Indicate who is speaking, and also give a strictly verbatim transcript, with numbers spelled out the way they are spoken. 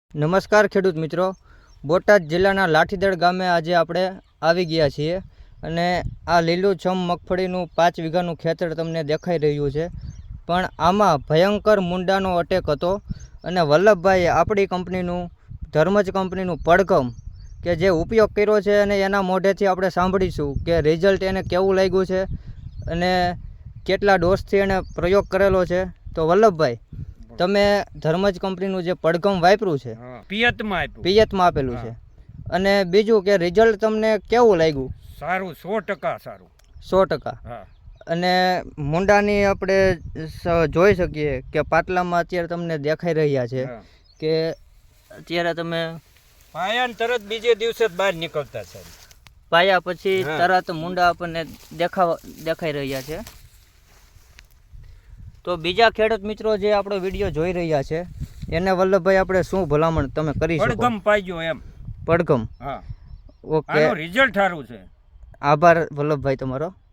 Speaker 1: નમસ્કાર ખેડૂત મિત્રો, બોટાદ જિલ્લાના લાઠીદળ ગામે આજે આપણે આવી ગયા છીએ અને આ લીલુંછમ મગફળીનું પાંચ વીઘાનું ખેતર તમને દેખાઈ રહ્યું છે. પણ આમાં ભયંકર મુંડાનો અટેક હતો અને વલ્લભભાઈએ આપણી કંપનીનું ધર્મજ કંપનીનું પડઘમ કે જે ઉપયોગ કર્યો છે અને એના મોઢેથી આપણે સાંભળીશું કે રિઝલ્ટ એને કેવું લાગ્યું છે અને કેટલા ડોઝથી એને પ્રયોગ કરેલો છે. તો વલ્લભભાઈ, તમે ધર્મજ કંપનીનું જે પડઘમ વાપર્યું છે
Speaker 2: પિયતમાં આપ્યું
Speaker 1: પિયતમાં આપેલું છે અને બીજું કે રિઝલ્ટ તમને કેવું લાગ્યું?
Speaker 2: સારું, સો ટકા સારું.
Speaker 1: સો ટકા. અને મુંડાની આપણે જોઈ શકીએ કે પાટલામાં અત્યારે તમને દેખાઈ રહ્યા છે કે અત્યારે તમે
Speaker 2: પાયા તરત બીજે દિવસે જ બહાર નીકળતા છે.
Speaker 1: પાયા પછી તરત મુંડા આપણને દેખાવા દેખાઈ રહ્યા છે. તો બીજા ખેડૂત મિત્રો જે આપણો વિડીયો જોઈ રહ્યા છે એને વલ્લભભાઈ આપણે શું ભલામણ તમે કરી શકો?
Speaker 2: પડઘમ પાડજો એમ.
Speaker 1: પડઘમ.
Speaker 2: હા,
Speaker 1: ઓકે,
Speaker 2: રિઝલ્ટ સારું છે.
Speaker 1: આભાર વલ્લભભાઈ તમારો.